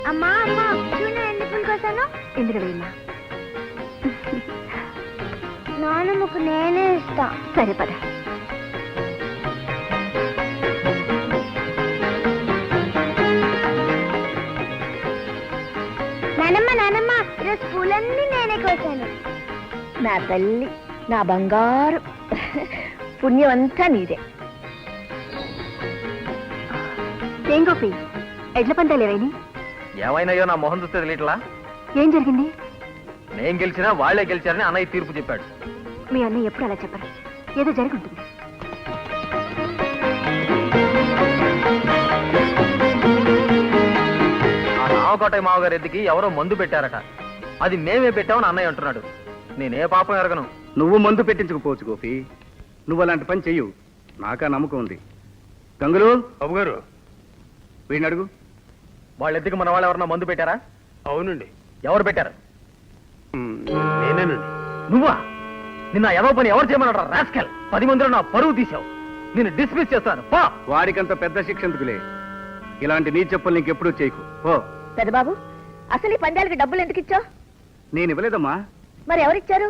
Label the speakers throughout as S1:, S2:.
S1: అమ్మా అమ్మా చూడు ఎన్ని పూలు కోసాను.
S2: ఇందులో వేయమ్మా.
S1: నాన్నమ్మకు నేనే ఇస్తా.
S2: సరే పద.
S1: నానమ్మ నానమ్మ ఈరోజు పూలన్నీ నేనే కోసాను.
S2: నా తల్లి, నా బంగారు, పుణ్యం అంతా నీదే. ఏం గోపి, ఎడ్ల పందాలేవైనా?
S3: ఏమైనాయో నా మొహం చూస్తే తెలియట్లా.
S2: ఏం జరిగింది?
S3: నేను గెలిచినా వాళ్లే గెలిచారని అన్నయ్య తీర్పు చెప్పాడు.
S2: మీ అన్నయ్య ఎప్పుడు అలా చెప్పరు, ఏదో జరిగి ఉంటుంది.
S3: ఆ రామకోటయ్య మావగారి ఎద్దుకి ఎవరో మందు పెట్టారట. అది మేమే పెట్టామని అన్నయ్య అంటున్నాడు. నేనే పాపం ఎరగను.
S4: నువ్వు మందు పెట్టించకపోవచ్చు గోపి, నువ్వు అలాంటి పని చెయ్యు. నాకా నమ్మకం ఉంది. గంగులు
S5: బాబు గారు,
S4: వీడిని అడుగు.
S3: వాళ్ళ ఎద్దుకి మన వాళ్ళు ఎవరన్నా మందు పెట్టారా?
S5: అవునండి,
S3: ఎవరు పెట్టారు?
S5: నేనేనండి.
S3: నువ్వా? నిన్న ఎవరో పని ఎవరు చేయమన్నాడు? రాస్కల్, 10 మందిలో నా పరువు తీసావు. నేను డిస్మిస్ చేస్తాను. పో.
S4: వాడికంత పెద్ద శిక్ష ఎందుకులే. ఇలాంటి నీ చెప్పులు నీకెప్పుడూ చేయకు. ఓ
S2: పెద్దబాబు, అసలు ఈ పందాలకి డబ్బులు ఎందుకు ఇచ్చావు?
S4: నేను ఇవ్వలేదమ్మా.
S2: మరి ఎవరిచ్చారు?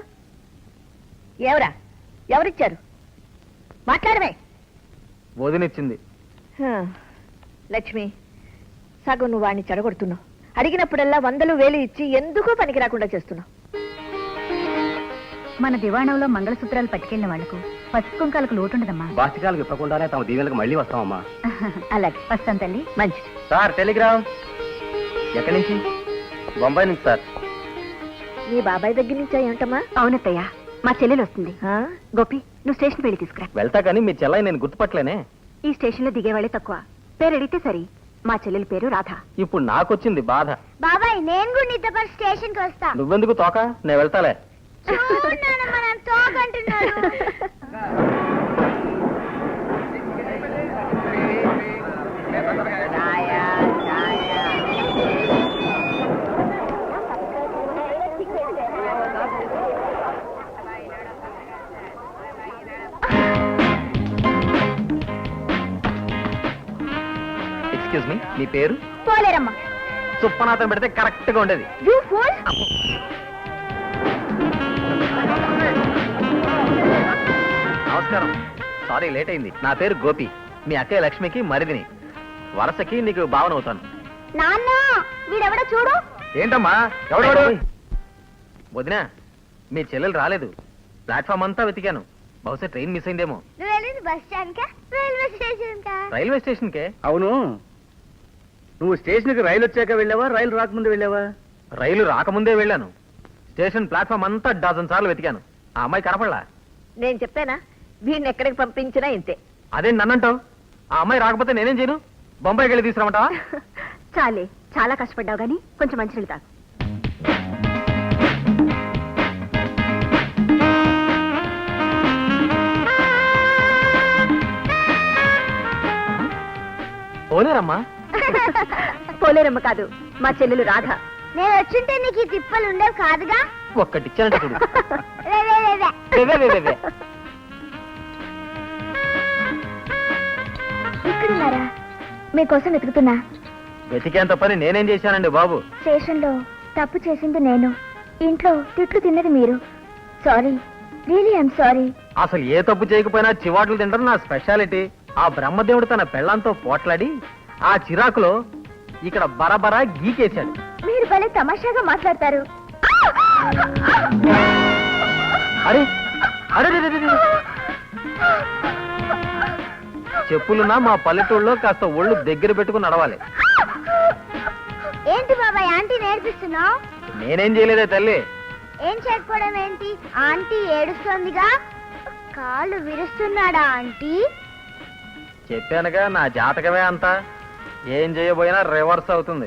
S2: ఎవరిచ్చారు? మాట్లాడమే.
S3: వదినిచ్చింది.
S2: లక్ష్మి, సగం నువ్వు వాడిని చెడగొడుతున్నావు. అడిగినప్పుడల్లా 100,000 1000 ఇచ్చి ఎందుకో పనికి రాకుండా చేస్తున్నావు. మన దివాణంలో మంగళసూత్రాలు పట్టుకెళ్ళిన వాళ్లకు పసుపు కుంకాలకు లోటుండదమ్మా.
S4: బాసికాలకు ఇప్పకుండానే తమ దీవెలకు మళ్ళీ వస్తామమ్మా.
S2: అలాగే వస్తాం తల్లి. మంచిది.
S3: Sir telegram. ఎక్కడి నుంచి? బొంబాయి నుంచి సార్.
S2: మీ బాబాయ్ దగ్గర నుంచా ఏమిటమ్మా?
S6: అవునత్తయ్య, మా చెల్లెలు వస్తుంది. గోపి, నువ్వు స్టేషన్ వెళ్ళి తీసుకురా.
S3: వెళ్తా కానీ మీ చెల్లయ్య నేను గుర్తుపట్టలేనే.
S6: ఈ స్టేషన్ లో దిగేవాళ్ళే తక్కువ. పేరు అడిగితే సరి. మా చెల్లెల పేరు రాధ.
S3: ఇప్పుడు నాకొచ్చింది బాధ.
S1: బాబాయ్ నేను కూడా నీతో పాటు స్టేషన్ కి వస్తా.
S3: నువ్వెందుకు తోక? నేను వెళ్తాలే.
S1: చూడు నానమ్మ, నన్ను తోకంటున్నాడు.
S3: ఎక్స్క్యూజ్ మీ, మీ పేరు?
S1: పోలేరమ్మా.
S3: సుప్పనాథం పెడితే కరెక్ట్ గా ఉండేది.
S1: You fool.
S3: నమస్కారం, సారీ లేట్ అయింది. నా పేరు గోపి. మీ అక్కయ్య లక్ష్మికి మరిదిని. వరసకి నీకు భావన అవుతాను.
S1: నాన్న వీడెవడో చూడు.
S3: ఏంటమ్మా? ఎవడెవడు? వదినా, మీ చెల్లెలు రాలేదు. ప్లాట్ఫామ్ అంతా వెతికాను. బహుశా ట్రైన్ మిస్ అయిందేమో.
S1: నువ్వు వెళ్ళింది బస్ స్టాండ్ కా రైల్వే స్టేషన్ కా?
S3: రైల్వే స్టేషన్ కే.
S4: అవును, నువ్వు స్టేషన్కి రైలు వచ్చాక వెళ్ళావా, రైలు రాకముందు వెళ్ళావా?
S3: రైలు రాకముందే వెళ్ళాను. స్టేషన్ ప్లాట్ఫామ్ అంతా 12 సార్లు వెతికాను. ఆ అమ్మాయి కనపడలా.
S2: నేను చెప్పానా, వీడిని ఎక్కడికి పంపించినా ఇంతే.
S3: అదే నన్నంటావు? ఆ అమ్మాయి రాకపోతే నేనేం చేయను? బొంబాయికి వెళ్ళి తీసుకురామంటావా?
S6: చాలే, చాలా కష్టపడ్డావు గానీ కొంచెం మంచినీళ్ళు తాగు.
S3: పోలేరమ్మా.
S6: పోలేరమ్మ కాదు, మా చెల్లెలు రాధ.
S1: నేను వచ్చుంటే నీకు ఈ తిప్పలు ఉండేవి కాదుగా.
S3: ఒక్కటిచ్చానంట చూడు.
S1: రే, రే, రే, రే.
S3: వే, వే, వే, వే.
S1: ఇక్కడున్నారా? మీకోసం వెతుకుతున్నా.
S3: వెతికేంత పని నేనేం చేశానండి బాబు?
S1: స్టేషన్ లో తప్పు చేసింది నేను, ఇంట్లో తిట్లు తిన్నది మీరు. Sorry, really I'm sorry.
S3: అసలు ఏ తప్పు చేయకపోయినా చివాట్లు తింటారు నా స్పెషాలిటీ. ఆ బ్రహ్మదేవుడు తన పెళ్ళంతో పోట్లాడి ఆ చిరాకులో ఇక్కడ బరబరా గీకేశాడు.
S1: మీరు భలే తమాషాగా మాట్లాడతారు.
S3: అరే అరే రే, రే, రే, రే. చెప్పులున్నా మా పల్లెటూళ్ళలో కాస్త ఒళ్ళు దగ్గర పెట్టుకుని నడవాలి.
S1: ఏంటి బాబాయ్ ఆంటీ నేర్పిస్తున్నావు?
S3: నేనేం చేయలేదే తల్లి.
S1: ఏం చేయకపోవడం ఏంటి? ఆంటీ ఏడుస్తోందిగా. కాళ్ళు విరుస్తున్నాడా ఆంటీ?
S3: చెప్పానుగా నా జాతకమే అంతా. ఏం చేయబోయినా రివర్స్ అవుతుంది.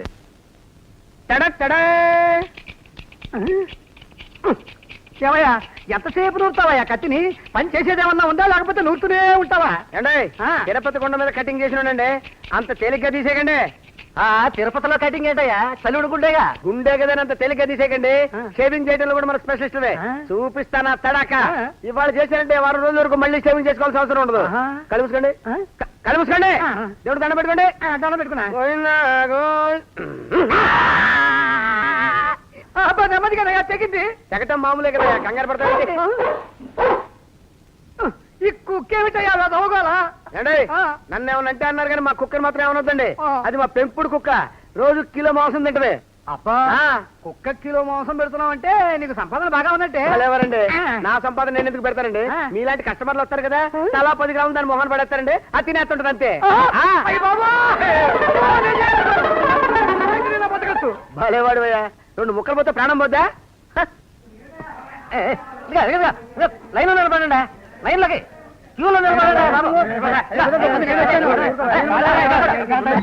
S7: ఏమయ్యా, ఎంతసేపు నూరుతావయ్యా కత్తిని? పని చేసేదేమన్నా ఉందా, లేకపోతే నూరుతూనే ఉంటావా?
S4: ఏండే, తిరుపతి కొండ మీద కటింగ్ చేసినాడండి, అంత తేలిగ్గా తీసేయకండి.
S7: తిరుపతిలో కటింగ్ ఏంటయ్యా? చలుడు గుండేగా.
S4: గుండె కదా అంత తేలిగ్గా తీసేయకండి. షేవింగ్ చేయడంలో కూడా మన స్పెషలిస్టులే. చూపిస్తానా తడాక. ఇవాళ చేశారంటే 1 రోజుల వరకు మళ్ళీ షేవింగ్ చేసుకోవాల్సిన అవసరం ఉండదు. కలిపి
S7: కళ్ళు మూసుకోండి దేవుడు దండ పెట్టుకోండి దండ పెట్టుకున్నా నెమ్మదిగా తెగింది తెగటం మామూలే కదా కంగారు పడతాయి ఈ కుక్కేమిటయ్యా దోగాలా ఏండి నన్ను ఏమన్నా అంటే అన్నారు కానీ మా కుక్కని మాత్రం ఏమనొద్దండి అది మా పెంపుడు కుక్క రోజు కిలో మాంసం తింటది అబ్బా కుక్క కిలో మాంసం పెడుతున్నావు అంటే నీకు సంపాదన బాగా ఉన్నట్టే ఎవరండి నా సంపాదన నేను ఎందుకు పెడతానండి మీలాంటి కస్టమర్లు వస్తారు కదా తలా 10 గ్రాములు దాని మొహన్ పడేస్తారండి అది తినేస్తుంటది అంతే భలేవాడు రెండు ముక్కలు పోతే ప్రాణం పోద్దా లైన్ లో నిలబడండి లైన్లోకి క్యూలో నిలబడండి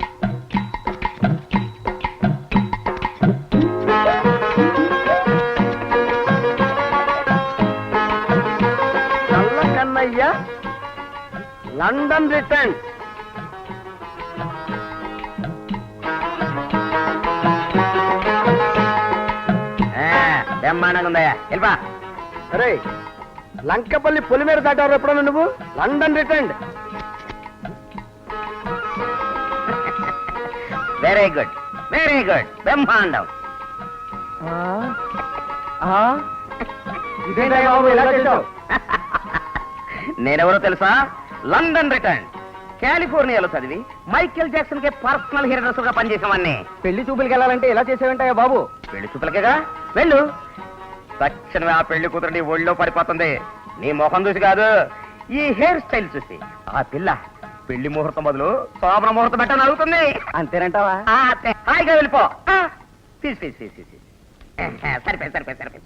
S7: కన్నయ్య లండన్ రిటర్న్ బ్రహ్మాండంగా ఉందయ్యా వెళ్ళిపా అరే లంకపల్లి పొలిమేర దాటారు ఎప్పుడన్నా నువ్వు లండన్ రిటర్న్ వెరీ గుడ్ బ్రహ్మాండం నేనెవరో తెలుసా లండన్ రిటర్న్ కాలిఫోర్నియాలో చదివి మైకేల్ జాక్సన్ కి పర్సనల్ హెయిర్ గా పనిచేసామని పెళ్లి చూపులకి వెళ్ళాలంటే ఎలా చేసేవంటాయా బాబు పెళ్లి చూపులకేగా వెళ్ళు తక్షణమే ఆ పెళ్లి కూతురు ఒళ్ళో పడిపోతుంది నీ మొహం చూసి కాదు ఈ హెయిర్ స్టైల్ చూసి ఆ పిల్ల పెళ్లి ముహూర్తం బదులు శోభన ముహూర్తం పెట్టని అడుగుతుంది అంతేనంటావా హాయిగా వెళ్ళిపో సరిపోయి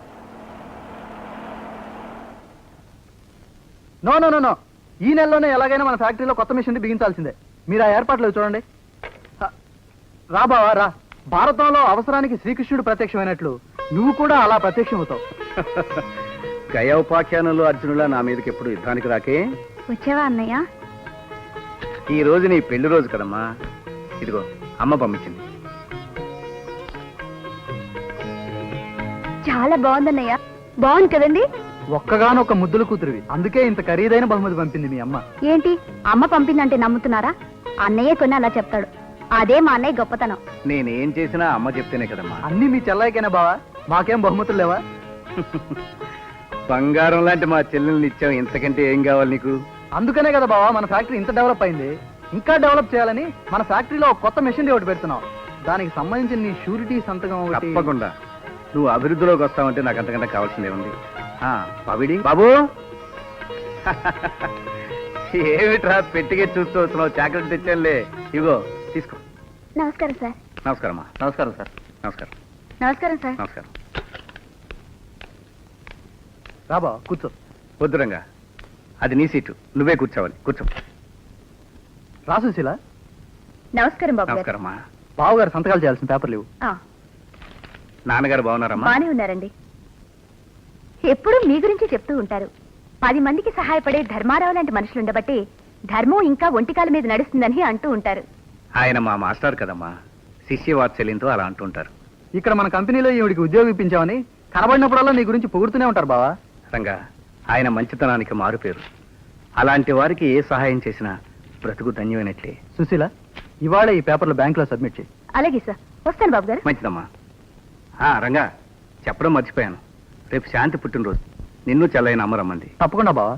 S3: నో నో నో నో ఈ నెలలోనే ఎలాగైనా మన ఫ్యాక్టరీలో కొత్త మిషన్ బిగించాల్సిందే మీరు ఆ ఏర్పాట్లు చూడండి రా బావా రా భారతంలో అవసరానికి శ్రీకృష్ణుడు ప్రత్యక్షమైనట్లు నువ్వు కూడా అలా ప్రత్యక్షం అవుతావు
S4: గయోపాఖ్యానంలో అర్జునులా నా మీదకి ఎప్పుడు యుద్ధానికి రాకే
S1: వచ్చావా అన్నయ్య?
S4: ఈ రోజు నీ పెళ్లి రోజు కదమ్మా ఇదిగో అమ్మ పంపించింది
S1: చాలా బాగుందన్నయ్య. బాగుంది కదండి?
S3: ఒక్కగానొక్క ముద్దుల కూతురివి అందుకే ఇంత ఖరీదైన బహుమతి పంపింది మీ అమ్మ.
S1: ఏంటి అమ్మ పంపిందంటే నమ్ముతున్నారా? అన్నయ్య కొన్ని అలా చెప్తాడు. అదే మా అన్నయ్య గొప్పతనం.
S4: నేనేం చేసినా అమ్మ చెప్తేనే కదమ్మా.
S3: అన్ని మీ చెల్లాయికేనా బావా? మాకేం బహుమతులు లేవా?
S4: బంగారం లాంటి మా చెల్లెల్ని ఇచ్చావు, ఇంతకంటే ఏం కావాలి నీకు?
S3: అందుకనే కదా బావా మన ఫ్యాక్టరీ ఇంత డెవలప్ అయింది. ఇంకా డెవలప్ చేయాలని మన ఫ్యాక్టరీలో ఒక కొత్త మెషిన్ ఒకటి పెడుతున్నాం. దానికి సంబంధించిన నీ షూరిటీ సంతకం ఒకటి.
S4: తప్పకుండా నువ్వు అభివృద్ధిలోకి వస్తావంటే నాకు అంతకంటే కావాల్సిందే ఉంది. పవిడి బాబు ఏమిట్రా పెట్టిగే చూస్తూ వస్తున్నావు? చాక్లెట్ తెచ్చానులే, ఇగో తీసుకో.
S1: నమస్కారం సార్.
S4: నమస్కారమ్మా.
S3: నమస్కారం సార్.
S4: నమస్కారం.
S1: నమస్కారం సార్.
S4: నమస్కారం.
S3: రా బావా కూర్చో.
S4: వద్దురంగా, అది నీ సీటు, నువ్వే కూర్చోవాలి. కూర్చో.
S3: రా సుశీల.
S1: నమస్కారం బాబు గారు.
S4: నమస్కారమ్మా.
S3: బావగారు సంతకాలు చేయాల్సిన పేపర్ లేవు.
S4: నాన్నగారు బాగున్నారమ్మా?
S1: బానే ఉన్నారండి. ఎప్పుడూ మీ గురించి చెప్తూ ఉంటారు. 10 మందికి సహాయపడే ధర్మారావు లాంటి మనుషులు ఉండబట్టి ధర్మం ఇంకా ఒంటికాల మీద నడుస్తుందని అంటూ ఉంటారు.
S4: ఆయన మా మాస్టర్ కదమ్మా, శిష్య వాత్సల్యంతో అలా అంటుంటారు.
S3: ఇక్కడ మన కంపెనీలో ఈవిడికి ఉద్యోగం ఇప్పించామని కనబడినప్పుడల్లా నీ గురించి పొగుడుతూనే ఉంటారు బావా.
S4: రంగా, ఆయన మంచితనానికి మారుపేరు. అలాంటి వారికి ఏ సహాయం చేసినా బ్రతుకు ధన్యమైనట్లే.
S3: సుశీల, ఇవాళ ఈ పేపర్లు బ్యాంకులో సబ్మిట్ చేయి.
S1: అలాగే సార్. వస్తాను బాబు గారు.
S4: మంచిదమ్మా. రంగా, చెప్పడం మర్చిపోయాను, రేపు శాంతి పుట్టినరోజు. నిన్ను చెల్లైన అమ్మరమ్మంది.
S3: తప్పకుండా బావా.